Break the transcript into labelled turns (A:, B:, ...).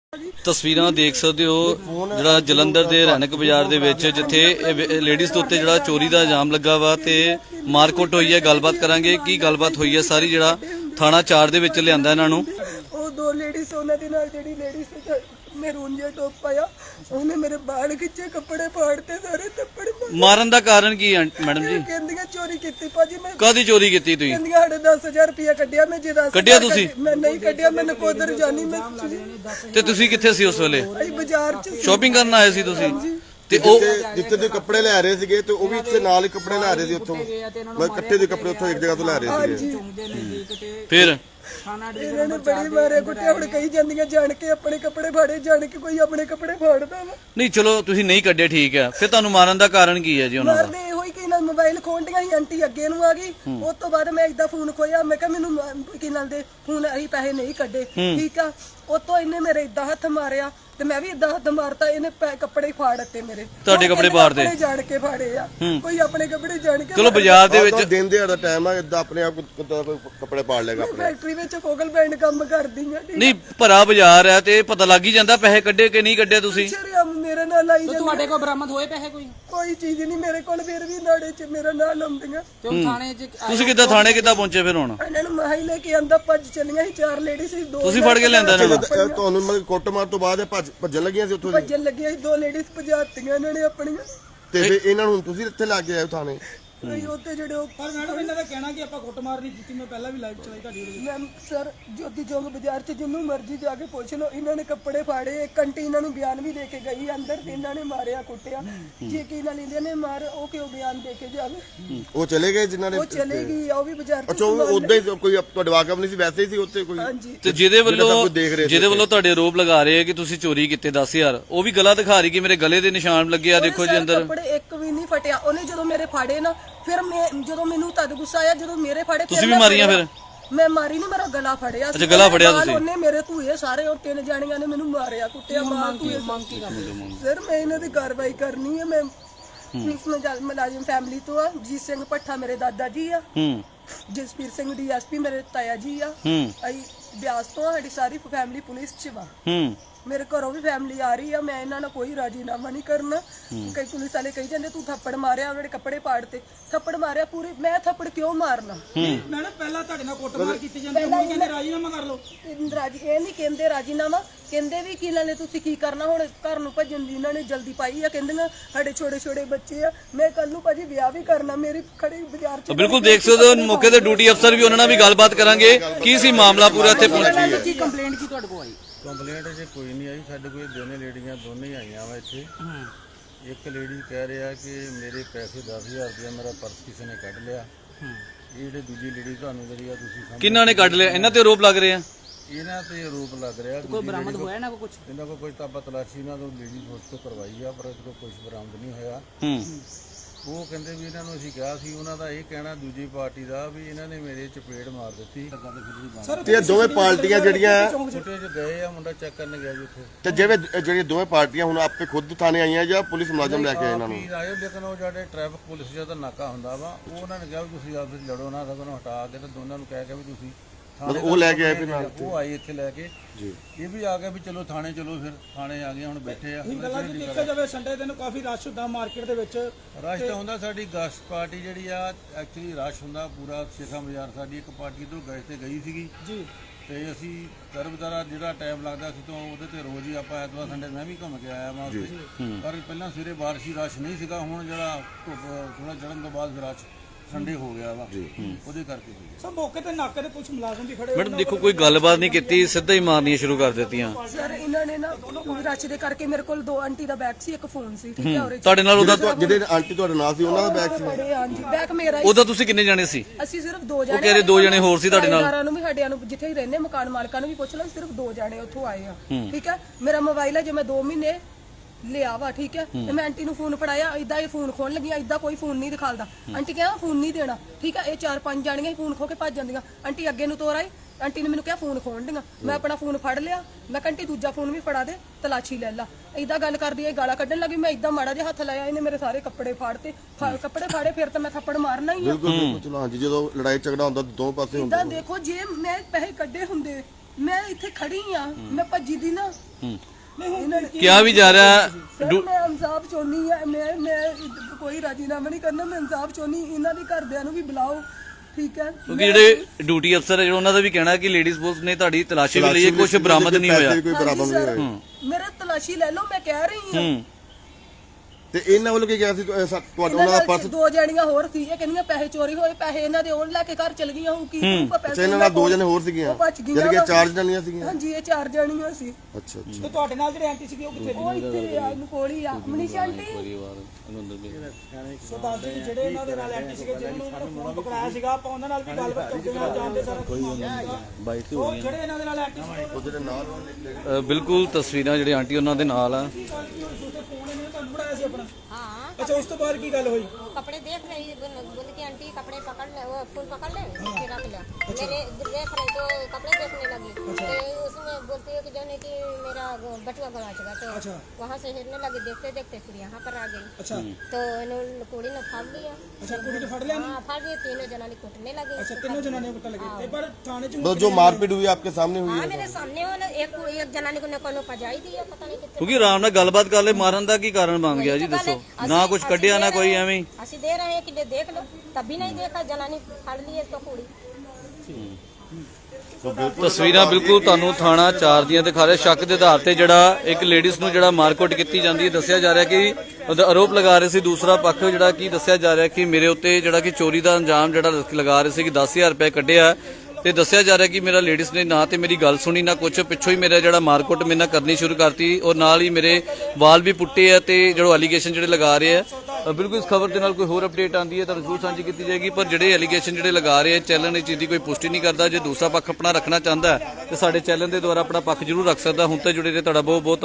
A: ਤਸਵੀਰਾਂ ਦੇਖ ਸਕਦੇ ਹੋ ਜਿਹੜਾ ਜਲੰਧਰ ਦੇ ਰੈਣਕ ਬਾਜ਼ਾਰ ਦੇ ਵਿੱਚ ਜਿੱਥੇ ਲੇਡੀਜ਼ ਦੇ ਉੱਤੇ ਜਿਹੜਾ ਚੋਰੀ ਦਾ ਇਲਜ਼ਾਮ ਲੱਗਾ ਵਾ ਤੇ ਮਾਰਕੁੱਟ ਹੋਈ ਹੈ। ਗੱਲਬਾਤ ਕਰਾਂਗੇ ਕੀ ਗੱਲਬਾਤ ਹੋਈ ਹੈ ਸਾਰੀ। ਜਿਹੜਾ ਥਾਣਾ 4 ਦੇ ਵਿੱਚ ਲਿਆਂਦਾ ਇਹਨਾਂ ਨੂੰ।
B: ਉਹ ਦੋ ਲੇਡੀਜ਼ ਉਹਨਾਂ ਦੇ ਨਾਲ ਜਿਹੜੀ ਲੇਡੀਜ਼ ਮੈਰੂਨ ਜਿਹਾ ਟੋਪ ਪਾਇਆ ਉਹਨੇ ਮੇਰੇ ਬਾਲ ਖਿੱਚੇ ਕੱਪੜੇ ਪਾੜਤੇ ਸਾਰੇ ਥੱਪੜ
A: ਮਾਰਨ ਦਾ ਕਾਰਨ ਕੀ ਹੈ ਮੈਡਮ ਜੀ?
B: ਕਹਿੰਦੀਆਂ ਚੋਰੀ ਕੀਤੀ ਭਾਜੀ। ਮੈਂ
A: ਕਾਦੀ ਚੋਰੀ ਕੀਤੀ ਤੁਸੀਂ?
B: ਕਹਿੰਦੀਆਂ ਸਾਡੇ 10000 ਰੁਪਇਆ ਕੱਢਿਆ। ਮੈਂ ਜੇ 10
A: ਕੱਢਿਆ ਤੁਸੀਂ?
B: ਮੈਂ ਨਹੀਂ ਕੱਢਿਆ। ਮੈਂ ਨਕੋਦਰ ਜਾਣੀ। ਮੈਂ
A: ਤੇ ਤੁਸੀਂ ਕਿੱਥੇ ਸੀ ਉਸ ਵੇਲੇ?
B: ਅਸੀਂ ਬਾਜ਼ਾਰ 'ਚ
A: ਸ਼ਾਪਿੰਗ ਕਰਨ ਆਏ ਸੀ ਤੁਸੀਂ? ਤੇ ਉਹ
C: ਜਿੱਥੇ ਦੇ ਕੱਪੜੇ ਲੈ ਰਹੇ ਸੀਗੇ ਤੇ ਉਹ ਵੀ ਇੱਥੇ ਨਾਲ ਹੀ ਕੱਪੜੇ ਲੈ ਰਹੇ ਸੀ ਉੱਥੋਂ। ਮੈਂ ਇਕੱਠੇ ਦੇ ਕੱਪੜੇ ਉੱਥੋਂ ਇੱਕ ਜਗ੍ਹਾ ਤੋਂ ਲੈ ਰਹੇ ਸੀਗੇ।
A: ਫਿਰ
B: ਇਹਨਾਂ ਨੇ ਬੜੀ ਮਾਰੇ ਕੁੱਟਿਆ। ਹੁਣ ਕਹੀ ਜਾਂਦੀਆਂ ਜਾਣ ਕੇ ਆਪਣੇ ਕੱਪੜੇ ਫਾੜੇ, ਜਾਣ ਕੇ ਕੋਈ ਆਪਣੇ ਕੱਪੜੇ ਫਾੜਦਾ ਵਾ।
A: ਨਹੀਂ ਚਲੋ ਤੁਸੀਂ ਨਹੀਂ ਕੱਢੇ ਠੀਕ ਹੈ। ਫਿਰ ਤੁਹਾਨੂੰ ਮਾਰਨ ਦਾ ਕਾਰਨ ਕੀ ਹੈ ਜੀ ਉਹਨਾਂ ਦਾ?
B: ਮਾਰਦੇ ਇਹੋ ਹੀ ਕਿ ਨਾਲ ਮੋਬਾਈਲ ਖੋਂਡੀਆਂ ਸੀ। ਆਂਟੀ ਅੱਗੇ ਨੂੰ ਆ ਗਈ। ਉਸ ਤੋਂ ਬਾਅਦ ਮੈਂ ਏਦਾਂ ਫੋਨ ਖੋਇਆ। ਮੈਂ ਕਿਹਾ ਮੈਨੂੰ ਕੀ ਨਾਲ ਦੇ ਫੋਨ ਅਸੀਂ ਪੈਸੇ ਨਹੀਂ ਕੱਢੇ। ਠੀਕ ਆ। ਉਤੋਂ ਇਹਨੇ ਮੇਰੇ ਏਦਾਂ ਹੱਥ ਮਾਰਿਆ ਤੇ ਮੈਂ ਵੀ ਏਦਾਂ ਹੱਥ ਮਾਰਤਾ। ਇਹਨੇ ਕੱਪੜੇ ਫਾੜ ਦਿੱਤੇ ਮੇਰੇ।
A: ਤੁਹਾਡੇ ਕੱਪੜੇ ਪਾੜਦੇ?
B: ਜਾਣ ਕੇ ਫਾੜੇ ਆ। ਕੋਈ ਆਪਣੇ ਕੱਪੜੇ ਜਾਣ ਕੇ।
A: ਚਲੋ ਬਾਜ਼ਾਰ ਦੇ ਵਿੱਚ
C: ਦਿਨ ਦਿਹਾੜਾ ਟਾਈਮ ਆ, ਇਦਾਂ ਆਪਣੇ ਆਪ ਕੋਈ ਕੱਪੜੇ ਪਾੜ ਲੇਗਾ ਆਪਣੇ।
B: ਫੈਕਟਰੀ ਵਿੱਚ ਫੋਗਲ ਬੈਂਡ ਕੰਮ ਕਰਦੀ ਆ।
A: ਨਹੀਂ ਭਰਾ ਬਾਜ਼ਾਰ ਹੈ ਤੇ ਪਤਾ ਲੱਗ ਹੀ ਜਾਂਦਾ ਪੈਸੇ ਕੱਢੇ ਕਿ ਨਹੀਂ ਕੱਢੇ ਤੁਸੀਂ।
B: ਸ਼ਰਮ ਮੇਰੇ ਨਾਲ ਆਈ ਜਾਂਦੀ।
D: ਤੁਹਾਡੇ ਕੋਲ ਬਰਾਮਦ ਹੋਏ ਪੈਸੇ
B: ਕੋਈ ਚੀਜ਼ ਨਹੀਂ ਮੇਰੇ ਕੋਲ। ਫਿਰ ਵੀ ਨਾੜੇ 'ਚ ਮੇਰਾ ਨਾਂ ਲਾਉਂਦੀਆਂ।
D: ਤੇ ਥਾਣੇ 'ਚ
A: ਤੁਸੀਂ ਕਿੱਦਾਂ ਥਾਣੇ ਕਿੱਦਾਂ ਪਹੁੰਚੇ ਫਿਰ ਹੁਣ?
B: ਇਹਨਾਂ ਨੂੰ ਮਾਹੀ ਲੈ ਕੇ ਆਂਦਾ ਭੱਜ ਚੱਲੀਆਂ ਸੀ। 4 ਲੇਡੀ ਸੀ। 2
A: ਤੁਸੀਂ ਫੜ ਕੇ ਲਿਆਂਦਾ ਇਹਨਾਂ ਨੂੰ?
C: ਤੁਹਾਨੂੰ ਮਤਲਬ ਕੁੱਟਮਾਰ ਤੋਂ ਬਾਅਦ ਭੱਜਣ ਲੱਗੀਆਂ ਸੀ ਉੱਥੋਂ ਦੀ?
B: ਭੱਜਣ ਲੱਗੀਆਂ ਸੀ। 2 ਲੇਡੀਜ਼ ਭਜਾਤੀਆਂ ਇਹਨਾਂ ਨੇ ਆਪਣੀਆਂ।
C: ਤੇ ਫਿਰ ਇਹਨਾਂ ਨੂੰ ਤੁਸੀਂ ਇੱਥੇ ਲਾ ਕੇ ਆਏ ਥਾਣੇ?
B: ਉੱਤੇ ਜਿਹੜੇ ਉਹ
D: ਪਰ ਮੈਡਮ ਇਹਨਾਂ ਦਾ ਕਹਿਣਾ ਕਿ ਆਪਾਂ ਕੁੱਟਮਾਰ ਨਹੀਂ ਕੀਤੀ। ਮੈਂ ਪਹਿਲਾਂ ਵੀ ਲਾਈਵ ਚਲਾਈ ਤੁਹਾਡੀ ਵੀਡੀਓ।
B: ਮੈਮ ਸਰ ਜੋਤੀ ਚੌਂਕ ਬਾਜ਼ਾਰ 'ਚ ਜਿੰਨੂੰ ਮਰਜ਼ੀ ਜਾ ਕੇ ਪੁੱਛ ਲਓ। ਇਹਨਾਂ ਨੇ ਕੱਪੜੇ ਫਾੜੇ। ਇੱਕ ਆਂਟੀ ਇਹਨਾਂ ਨੂੰ ਬਿਆਨ ਵੀ ਦੇ ਕੇ ਗਈ ਅੰਦਰ ਤੇ ਇਹਨਾਂ ਨੇ ਮਾਰਿਆ ਕੁੱਟਿਆ। ਜੇ ਕੀ ਨਾਲ ਇਹਨਾਂ ਨੇ ਮਾਰ ਉਹ ਕਿਉਂ ਬਿਆਨ ਦੇ ਕੇ ਜਾਵੇ?
C: ਉਹ ਚਲੇ ਗਏ ਜਿਨ੍ਹਾਂ ਨੇ?
B: ਉਹ ਚਲੇ ਗਈ। ਉਹ ਵੀ ਬਾਜ਼ਾਰ 'ਚ
C: ਅੱਛਾ ਉਦਾਂ ਹੀ ਕੋਈ ਤੁਹਾਡੇ ਵਾਕਫ ਨਹੀਂ ਸੀ? ਵੈਸੇ ਹੀ ਸੀ ਉੱਥੇ ਕੋਈ?
B: ਹਾਂਜੀ।
A: ਤੇ ਜਿਹਦੇ ਵੱਲੋਂ ਤੁਹਾਡੇ ਆਰੋਪ ਲਗਾ ਰਹੇ ਕਿ ਤੁਸੀਂ ਚੋਰੀ ਕੀਤੇ 10000, ਉਹ ਵੀ ਗਲਾ ਦਿਖਾ ਰਹੀ ਕਿ ਮੇਰੇ ਗਲੇ ਦੇ ਨਿਸ਼ਾਨ ਲੱਗੇ ਆ ਦੇਖੋ ਜੀ ਅੰਦਰ।
B: ਕੱਪੜੇ ਇੱਕ ਵੀ ਨਹੀਂ ਫਟਿਆ। ਉਹਨੇ ਜਦੋਂ ਮੇਰੇ ਫਾੜੇ ਨਾ ਫਿਰ ਮੈਂ ਜਦੋਂ ਮੈਨੂੰ ਤਦ ਗੁੱਸਾ ਆਇਆ ਜਦੋਂ ਮੇਰੇ ਫਾੜੇ
A: ਤੁਸੀਂ ਵੀ ਮਾਰੀਆਂ ਫਿਰ?
B: ਮੈਂ ਮਾਰੀ ਨਹੀਂ। ਮੇਰਾ ਗਲਾ ਫੜਿਆ।
A: ਅੱਛਾ ਗਲਾ ਫੜਿਆ ਤੁਸੀਂ?
B: ਉਹਨੇ ਮੇਰੇ ਧੂਏ ਸਾਰੇ ਉਹ 3 ਜਾਣੀਆਂ ਨੇ ਮੈਨੂੰ ਮਾਰਿਆ ਕੁੱਟਿਆ। ਸਰ ਮੈਂ ਇਹਨਾਂ ਦੀ ਕਾਰਵਾਈ ਕਰਨੀ ਹੈ। ਮੈਂ ਪੁਲਿਸ ਮੁਲਾਜ਼ਮ ਫੈਮਿਲੀ ਤੋਂ ਆ। ਜੀਤ ਸਿੰਘ ਭੱਠਾ ਮੇਰੇ ਦਾਦਾ ਜੀ ਆ। ਜਸਪੀਰ ਸਿੰਘ ਡੀਐਸਪੀ ਮੇਰੇ ਤਾਇਆ ਜੀ ਆ। ਅਸੀਂ ਬਿਆਸ ਤੋਂ ਸਾਡੀ ਸਾਰੀ ਫੈਮਿਲੀ ਪੁਲਿਸ 'ਚ ਵਾ। ਮੇਰੇ ਘਰੋਂ ਵੀ ਫੈਮਿਲੀ ਆ ਰਹੀ ਆ। ਮੈਂ ਇਹਨਾਂ ਨਾਲ ਕੋਈ ਰਾਜੀਨਾਮਾ ਨਹੀਂ ਕਰਨਾ। ਕਈ ਪੁਲਿਸ ਵਾਲੇ ਕਹੀ ਜਾਂਦੇ ਤੂੰ ਥੱਪੜ ਮਾਰਿਆ, ਉਹਨਾਂ ਦੇ ਕੱਪੜੇ ਪਾੜਤੇ। ਥੱਪੜ ਮਾਰਿਆ ਪੂਰੀ। ਮੈਂ ਥੱਪੜ ਕਿਉਂ ਮਾਰਨਾ?
D: ਮੈਡਮ ਪਹਿਲਾਂ ਤੁਹਾਡੇ ਨਾਲ ਕੁੱਟਮਾਰ ਕੀਤੀ ਜਾਂਦੀ, ਹੁਣ ਕਹਿੰਦੇ ਰਾਜੀਨਾਮਾ ਕਰ ਲਓ।
B: ਇਹ ਨਹੀਂ ਕਹਿੰਦੇ ਰਾਜੀਨਾਮਾ। ਕਹਿੰਦੇ ਵੀ ਕੀ ਲੈਣੇ ਤੁਸੀਂ ਕੀ ਕਰਨਾ ਹੁਣ? ਘਰ ਨੂੰ ਭੱਜਣ ਦੀ ਇਹਨਾਂ ਨੇ ਜਲਦੀ ਪਾਈ ਆ। ਕਹਿੰਦੀਆਂ ਸਾਡੇ ਛੋਟੇ ਛੋਟੇ ਬੱਚੇ ਆ। ਮੈਂ ਕੱਲ ਨੂੰ ਭਾਜੀ ਵਿਆਹ ਵੀ ਕਰਨਾ। ਮੇਰੀ ਖੜੀ ਬਾਜ਼ਾਰ 'ਚ
A: ਬਿਲਕੁਲ ਦੇਖ ਸਕਦੇ ਹੋ ਮੌਕੇ ਤੇ ਡਿਊਟੀ ਅਫਸਰ ਵੀ, ਉਹਨਾਂ ਨਾਲ ਵੀ ਗੱਲਬਾਤ ਕਰਾਂਗੇ ਕੀ ਸੀ ਮਾਮਲਾ ਪੂਰਾ ਇੱਥੇ ਪਹੁੰਚੀ।
D: ਕੀ ਕੰਪਲੇਂਟ ਕੀ ਤੁਹਾਡੇ ਕੋਲ ਆਈ?
E: ਕੰਪਲੇਂਟ ਜੇ ਕੋਈ ਨਹੀਂ ਆਈ। ਸਾਡੇ ਕੋਲ ਦੋਨੇ ਲੇਡੀਆਂ ਦੋਨੇ ਹੀ ਆਈਆਂ ਵਾ ਇੱਥੇ। ਇੱਕ ਲੇਡੀ ਕਹਿ ਰਿਹਾ ਕਿ ਮੇਰੇ ਪੈਸੇ 10000 ਰੁਪਇਆ ਮੇਰਾ ਪਰਸ ਕਿਸੇ ਨੇ ਕੱਢ ਲਿਆ। ਇਹ ਜਿਹੜੇ ਦੂਜੀ ਲੇਡੀ ਤੁਹਾਨੂੰ ਜਿਹੜੀ ਆ ਤੁਸੀਂ ਸਮਝ,
A: ਕਿਹਨਾਂ ਨੇ ਕੱਢ ਲਿਆ? ਇਹਨਾਂ ਤੇ ਆਰੋਪ ਲੱਗ ਰਹੇ ਆ।
E: ਇਹਨਾਂ ਤੇ ਆਰੋਪ ਲੱਗ ਰਿਹਾ।
D: ਕੋਈ ਬਰਾਮਦ ਹੋਇਆ ਨਾ ਕੁਝ?
E: ਇਹਨਾਂ ਕੋਲ ਕੋਈ ਤਾਂ ਤਲਾਸ਼ੀ ਇਹਨਾਂ ਤੋਂ ਲੇਡੀ ਫੋਰਸ ਤੋਂ ਕਰਵਾਈ ਆ ਪਰ ਇਹਦੇ ਕੋਲ ਕੁਝ ਬਰਾਮਦ ਨਹੀਂ ਹੋਇਆ। ਉਹ ਕਹਿੰਦੇ ਵੀ ਇਹਨਾਂ ਨੂੰ ਅਸੀਂ ਕਿਹਾ ਸੀ, ਉਹਨਾਂ ਦਾ ਇਹ ਕਹਿਣਾ ਦੂਜੀ ਪਾਰਟੀ ਦਾ ਵੀ ਇਹਨਾਂ ਨੇ ਮੇਰੇ ਚਪੇੜ ਮਾਰ ਦਿੱਤੀ।
C: ਤੇ ਇਹ ਦੋਵੇਂ ਪਾਰਟੀਆਂ ਜਿਹੜੀਆਂ
E: ਛੁੱਟੇ 'ਚ ਗਏ ਆ, ਮੁੰਡਾ ਚੈੱਕ ਕਰਨ ਗਿਆ ਜੀ ਉੱਥੇ।
C: ਤੇ ਜਿਹੜੀਆਂ ਦੋਵੇਂ ਪਾਰਟੀਆਂ ਹੁਣ ਆਪੇ ਖੁਦ ਥਾਣੇ ਆਈਆਂ ਜਾਂ ਪੁਲਿਸ ਮੁਲਾਜ਼ਮ ਲੈ ਕੇ ਆਏ ਇਹਨਾਂ ਨੂੰ?
E: ਆਇਓ ਲੇਕਿਨ ਉਹ ਜਿਹੜੇ ਟ੍ਰੈਫਿਕ ਪੁਲਿਸ ਦਾ ਨਾਕਾ ਹੁੰਦਾ ਵਾ, ਉਹ ਉਹਨਾਂ ਨੇ ਕਿਹਾ ਵੀ ਤੁਸੀਂ ਆਪਸ ਵਿੱਚ ਲੜੋ ਨਾ, ਸਗੋਂ ਹਟਾ ਕੇ ਤੇ ਦੋਨਾਂ ਨੂੰ ਕਹਿ ਕੇ ਵੀ ਤੁਸੀਂ
C: ਮਤਲਬ ਉਹ ਲੈ ਕੇ ਆਏ ਫਿਰ ਨਾਲ?
E: ਉਹ ਆਏ ਇੱਥੇ ਲੈ ਕੇ ਜੀ। ਇਹ ਵੀ ਆ ਗਏ ਵੀ ਚਲੋ ਥਾਣੇ ਚਲੋ। ਫਿਰ ਥਾਣੇ ਆ ਗਏ, ਹੁਣ ਬੈਠੇ ਆ।
D: ਗੱਲਾਂ ਜੀ ਦੇਖਿਆ ਜਾਵੇ ਸੰਡੇ ਦਿਨ ਕਾਫੀ ਰਸ਼ ਹੁੰਦਾ ਮਾਰਕੀਟ ਦੇ ਵਿੱਚ।
E: ਰਸ਼ ਤਾਂ ਹੁੰਦਾ। ਸਾਡੀ ਗਸ਼ਤ ਪਾਰਟੀ ਜਿਹੜੀ ਆ ਐਕਚੁਅਲੀ ਰਸ਼ ਹੁੰਦਾ ਪੂਰਾ ਸ਼ੇਖਾਂ ਬਾਜ਼ਾਰ। ਸਾਡੀ ਇੱਕ ਪਾਰਟੀ ਤੋਂ ਗਸ਼ਤ ਤੇ ਗਈ ਸੀਗੀ ਜੀ। ਤੇ ਅਸੀਂ ਦਰਬਦਰਾ ਜਿਹੜਾ ਟਾਈਮ ਲੱਗਦਾ ਸੀ ਤਾਂ ਉਹਦੇ ਤੇ ਰੋਜ਼ ਹੀ ਆਪਾਂ ਐਤਵਾਰ ਸੰਡੇ ਮੈਂ ਵੀ ਘੁੰਮ ਕੇ ਆਇਆ ਮੈਂ ਉੱਥੇ। ਪਰ ਪਹਿਲਾਂ ਸਵੇਰੇ ਬਾਰਿਸ਼ੀ ਰਸ਼ ਨਹੀਂ ਸੀਗਾ। ਹੁਣ ਜਿਹੜਾ ਥੋੜਾ ਚੜਨ ਤੋਂ ਬਾਅਦ ਫਿਰ ਰਸ਼ ਸੰਡੇ ਹੋ ਗਿਆ ਵਾ, ਉਹਦੇ ਕਰਕੇ ਹੋਈ।
D: ਸਭ ਮੌਕੇ ਤੇ ਨਾਕੇ ਤੇ ਕੁਝ ਮੁਲਾਜ਼ਮ ਵੀ ਖੜੇ।
A: ਮੈਡਮ ਦੇਖੋ ਕੋਈ ਗੱਲਬਾਤ ਨਹੀਂ ਕੀਤੀ, ਸਿੱਧਾ ਹੀ ਮਾਰਨੀਆਂ ਸ਼ੁਰੂ ਕਰ ਦਿੱਤੀਆਂ।
B: ਸਰ ਇਹਨਾਂ ਨੇ ਨਾ ਰਸ਼ ਦੇ ਕਰਕੇ ਮੇਰੇ ਕੋਲ 2 ਆਂਟੀ ਦਾ ਬੈਗ ਸੀ, ਇੱਕ ਫੋਨ ਸੀ। ਠੀਕ ਹੈ।
A: ਤੁਹਾਡੇ ਨਾਲ ਉਹਦਾ
C: ਜਿਹੜੇ ਆਂਟੀ ਤੁਹਾਡੇ ਨਾਲ ਸੀ ਉਹਨਾਂ ਦਾ ਬੈਗ ਸੀ?
B: ਹਾਂਜੀ ਬੈਗ ਮੇਰਾ ਹੀ।
A: ਉਹਦਾ ਤੁਸੀਂ ਕਿੰਨੇ ਜਾਣੇ ਸੀ?
B: ਅਸੀਂ ਸਿਰਫ 2 ਜਾਣੇ।
A: ਉਹ ਕਹਿੰਦੇ 2 ਜਣੇ ਹੋਰ ਸੀ ਤੁਹਾਡੇ ਨਾਲ?
B: ਸਾਰਿਆਂ ਨੂੰ ਵੀ ਸਾਡਿਆਂ ਨੂੰ ਜਿੱਥੇ ਹੀ ਰਹਿੰਦੇ ਮਕਾਨ ਮਾਲਕਾਂ ਨੂੰ ਵੀ ਪੁੱਛ ਲਓ। ਸਿਰਫ 2 ਜਾਣੇ ਉੱਥੋਂ ਆਏ ਆ। ਠੀਕ ਹੈ। ਮੇਰਾ ਮੋਬਾਈਲ ਹੈ ਜੇ ਮੈਂ 2 ਮਹੀਨੇ ਲਿਆ ਵਾ। ਠੀਕ ਹੈ। ਤੇ ਮੈਂ ਆਂਟੀ ਨੂੰ ਫੋਨ ਫੜਾਇਆ। ਇਦਾਂ ਇਹ ਫੋਨ ਖੋਣ ਲੱਗੀਆਂ। ਇਦਾਂ ਕੋਈ ਫੋਨ ਨਹੀਂ ਦਿਖਾਲਦਾ। ਆਂਟੀ ਕਹਿੰਦਾ ਫੋਨ ਨਹੀਂ ਦੇਣਾ। ਠੀਕ ਹੈ। ਇਹ 4-5 ਜਾਣੀਆਂ ਹੀ ਫੋਨ ਖੋ ਕੇ ਭੱਜ ਜਾਂਦੀਆਂ। ਆਂਟੀ ਅੱਗੇ ਨੂੰ ਤੋਰ ਆਈ। ਆਂਟੀ ਨੇ ਮੈਨੂੰ ਕਿਹਾ ਫੋਨ ਖੋਣ ਦੀਆਂ। ਮੈਂ ਆਪਣਾ ਫੋਨ ਫੜ ਲਿਆ। ਮੈਂ ਆਂਟੀ ਦੂਜਾ ਫੋਨ ਵੀ ਫੜਾ ਦੇ, ਤਲਾਸ਼ੀ ਲੈ ਲਾ। ਇਦਾਂ ਗੱਲ ਕਰਦੀ ਹੈ, ਗਾਲਾਂ ਕੱਢਣ ਲੱਗੀ। ਮੈਂ ਇਦਾਂ ਮਾੜਾ ਜਿਹਾ ਹੱਥ ਲਾਇਆ, ਇਹਨੇ ਮੇਰੇ ਸਾਰੇ ਕੱਪੜੇ ਫਾੜਤੇ। ਕੱਪੜੇ ਫਾੜੇ ਫਿਰ ਤਾਂ ਮੈਂ ਥੱਪੜ ਮਾਰਨਾ ਹੀ ਆ।
C: ਬਿਲਕੁਲ ਬਿਲਕੁਲ। ਚਲੋ ਹਾਂਜੀ, ਜਦੋਂ ਲੜਾਈ ਝਗੜਾ ਹੁੰਦਾ ਦੋਵੇਂ ਪਾਸੇ ਹੁੰਦਾ।
B: ਇਦਾਂ ਦੇਖੋ ਜੇ ਮੈਂ ਪੈਸੇ ਕੱਢੇ ਹੁੰਦੇ ਮੈਂ ਇੱਥੇ ਖੜੀ ਆ, ਮੈਂ ਭੱਜੀ ਦੀ ਨਾ। ਇਹਨਾਂ ਨੇ
A: ਕਿਹਾ ਵੀ ਜਾ ਰਿਹਾ
B: ਸਰ ਮੈਂ ਇਨਸਾਫ ਚਾਹੁੰਦੀ ਆ, ਮੈਂ ਕੋਈ ਰਾਜੀਨਾਮਾ ਨਹੀਂ ਕਰਨਾ, ਮੈਂ ਇਨਸਾਫ ਚਾਹੁੰਦੀ। ਇਹਨਾਂ ਦੇ ਘਰਦਿਆਂ ਨੂੰ ਵੀ ਬੁਲਾਓ, ਠੀਕ ਹੈ।
A: ਕਿਉਂਕਿ ਜਿਹੜੇ ਡਿਊਟੀ ਅਫਸਰ ਹੈ ਜਿਹੜਾ ਉਹਨਾਂ ਦਾ ਵੀ ਕਹਿਣਾ ਕਿ ਲੇਡੀਜ਼ ਪੁਲਿਸ ਨੇ ਤੁਹਾਡੀ ਤਲਾਸ਼ੀ ਵੀ ਲਈ ਹੈ, ਕੁਝ ਬਰਾਮਦ ਨਹੀਂ ਹੋਇਆ।
C: ਕੋਈ ਬਰਾਬਰ ਨਹੀਂ ਹੋਇਆ।
B: ਮੇਰਾ ਤਲਾਸ਼ੀ ਲੈ ਲਓ, ਮੈਂ ਕਹਿ ਰਹੀ ਹਾਂ।
C: ਤੇ ਇਹਨਾਂ ਵੱਲੋਂ ਕੀ ਕਿਹਾ ਸੀ ਤੁਹਾਡਾ ਉਹਨਾਂ ਦਾ ਪਰਸ?
B: ਦੋ ਜਣੀਆਂ ਹੋਰ ਸੀ, ਇਹ ਕਹਿੰਦੀਆਂ ਪੈਸੇ ਚੋਰੀ ਹੋਏ, ਪੈਸੇ ਇਹਨਾਂ ਦੇ ਉਹ ਲੈ ਕੇ ਘਰ ਚਲ ਗਈਆਂ। ਹੁਣ ਕੀ proof ਆ ਪੈਸੇ?
C: ਅੱਛਾ, ਇਹਨਾਂ ਨਾਲ ਦੋ ਜਣੇ ਹੋਰ ਸੀਗੀਆਂ, ਜਿਹੜੇ ਕਿ 4 ਜਣੀਆਂ ਸੀਗੀਆਂ।
B: ਹਾਂਜੀ, ਇਹ 4 ਜਣੀਆਂ ਸੀ।
C: ਅੱਛਾ ਅੱਛਾ।
D: ਤੇ ਤੁਹਾਡੇ ਨਾਲ ਜਿਹੜੇ ਆਂਟੀ ਸੀਗੇ ਉਹ ਕਿੱਥੇ
B: ਉਹ ਇੱਥੇ ਆ, ਕੋਲ ਹੀ ਆ, ਮਨੀਸ਼ਾ ਆਂਟੀ।
D: ਸੋ ਦੱਸਦੇ ਕਿ ਜਿਹੜੇ ਇਹਨਾਂ ਦੇ ਨਾਲ ਆਂਟੀ ਸੀਗੇ ਜਿਹਨਾਂ ਨੂੰ ਉਹਨਾਂ ਨੇ ਫੋਨ ਪਕੜਾਇਆ ਸੀਗਾ, ਆਪਾਂ ਉਹਨਾਂ ਨਾਲ ਵੀ ਗੱਲਬਾਤ ਕਰਦੇ ਹਾਂ, ਜਾਣਦੇ ਸਾਰਾ ਕੁਝ। ਉਹ ਜਿਹੜੇ ਇਹਨਾਂ ਦੇ ਨਾਲ ਆਂਟੀ ਸੀਗੇ
C: ਉਹ ਜਿਹੜੇ ਨਾਲ
A: ਬਿਲਕੁਲ ਤਸਵੀਰਾਂ ਜਿਹੜੇ ਆਂਟੀ ਉਹਨਾਂ ਦੇ ਨਾਲ ਆ।
D: ਫੋਨ ਇਹਨੇ ਤੁਹਾਨੂੰ ਫੜਾਇਆ ਸੀ ਆਪਣਾ।
F: हाँ
D: ਅੱਛਾ, ਉਸ ਤੋਂ ਬਾਅਦ ਕੀ ਗੱਲ ਹੋਈ?
F: कपड़े देख रही बोले कि आंटी कपड़े पकड़ ले, वो फूल पकड़ ले, फिर रख ले। मेरे देख रही तो कपड़े देखने लगी, तो उसमें बोलती है कि जो है कि मेरा बटुआ गवाच गया, तो वहाँ से हिरने लगी। देखते देखते फिर यहाँ पर आ गई।
D: अच्छा,
F: तो इन्होंने कुड़ी ने फाड़ लिया।
D: अच्छा, कुड़ी ने फड़ लिया?
F: हाँ, फाड़ लिया। तीनों जना ने कुटने लगे।
D: अच्छा, तीनों जना ने कुटने लगे। एक बार थाने च
C: तो जो मारपीट हुई आपके सामने हुई
F: हाँ,
C: है?
F: मेरे सामने वो ना एक जना ने कोनो पजाई दिया, पता नहीं कितने।
A: ਕਿਉਂਕਿ ਆਰਾਮ ਨਾਲ ਗੱਲਬਾਤ ਕਰ ਲੈ, ਮਾਰਨ ਦਾ ਕੀ ਕਾਰਨ ਬਣ ਗਿਆ ਜੀ ਦੱਸੋ? ਨਾ ਕੁਝ ਕੱਢਿਆ ਨਾ ਕੋਈ ਐਵੇਂ ਹੀ।
F: ਅਸੀਂ दे रहे हैं कि देख लो, तभी नहीं देखा, जनानी फाड़ लिए तो कुड़ी।
A: ਤਸਵੀਰਾਂ ਬਿਲਕੁਲ ਤੁਹਾਨੂੰ ਥਾਣਾ 4 ਦੀਆਂ ਦਿਖਾ ਰਿਹਾ। ਸ਼ੱਕ ਦੇ ਆਧਾਰ ਤੇ ਜਿਹੜਾ ਇੱਕ ਲੇਡੀਜ਼ ਨੂੰ ਜਿਹੜਾ ਮਾਰਕੁੱਟ ਕੀਤੀ ਜਾਂਦੀ ਹੈ, ਦੱਸਿਆ ਜਾ ਰਿਹਾ ਕਿ ਉਹਦਾ ਆਰੋਪ ਲਗਾ ਰਹੇ ਸੀ ਦੂਸਰਾ ਪੱਖ, ਜਿਹੜਾ ਕੀ ਦੱਸਿਆ ਜਾ ਰਿਹਾ ਕਿ ਮੇਰੇ ਉੱਤੇ ਜਿਹੜਾ ਕਿ ਚੋਰੀ ਦਾ ਅੰਜਾਮ ਜਿਹੜਾ ਲਗਾ ਰਹੇ ਸੀ ਕਿ 10,000 ਰੁਪਏ ਕੱਢਿਆ, ਤੇ ਦੱਸਿਆ ਜਾ ਰਿਹਾ ਕਿ ਮੇਰਾ ਲੇਡੀਜ਼ ਨੇ ਨਾ ਤੇ ਮੇਰੀ ਗੱਲ ਸੁਣੀ ਨਾ ਕੁਛ, ਪਿੱਛੋਂ ਹੀ ਮੇਰਾ ਜਿਹੜਾ ਮਾਰਕੁੱਟ ਮੇਰੇ ਨਾਲ ਕਰਨੀ ਸ਼ੁਰੂ ਕਰਤੀ, ਔਰ ਨਾਲ ਹੀ ਮੇਰੇ ਵਾਲ ਵੀ ਪੁੱਟੇ ਆ, ਤੇ ਜਿਹੜੇ ਐਲੀਗੇਸ਼ਨ ਜਿਹੜੇ ਲਗਾ ਰਹੇ ਆ। ਬਿਲਕੁਲ ਇਸ ਖਬਰ ਦੇ ਨਾਲ ਕੋਈ ਹੋਰ ਅਪਡੇਟ ਆਉਂਦੀ ਹੈ ਤਾਂ ਜ਼ਰੂਰ ਸਾਂਝੀ ਕੀਤੀ ਜਾਏਗੀ, ਪਰ ਜਿਹੜੇ ਐਲੀਗੇਸ਼ਨ ਜਿਹੜੇ ਲਗਾ ਰਹੇ ਆ, ਚੈਨਲ ਇਸ ਚੀਜ਼ ਦੀ ਕੋਈ ਪੁਸ਼ਟੀ ਨਹੀਂ ਕਰਦਾ। ਜੇ ਦੂਸਰਾ ਪੱਖ ਆਪਣਾ ਰੱਖਣਾ ਚਾਹੁੰਦਾ ਹੈ ਤੇ ਸਾਡੇ ਚੈਨਲ ਦੇ ਦੁਆਰਾ ਆਪਣਾ ਪੱਖ ਜ਼ਰੂਰ ਰੱਖ ਸਕਦਾ। ਹੁਣ ਤਾਂ ਜੁੜੇ ਰਹੇ, ਤੁਹਾਡਾ ਬਹੁਤ ਬਹੁਤ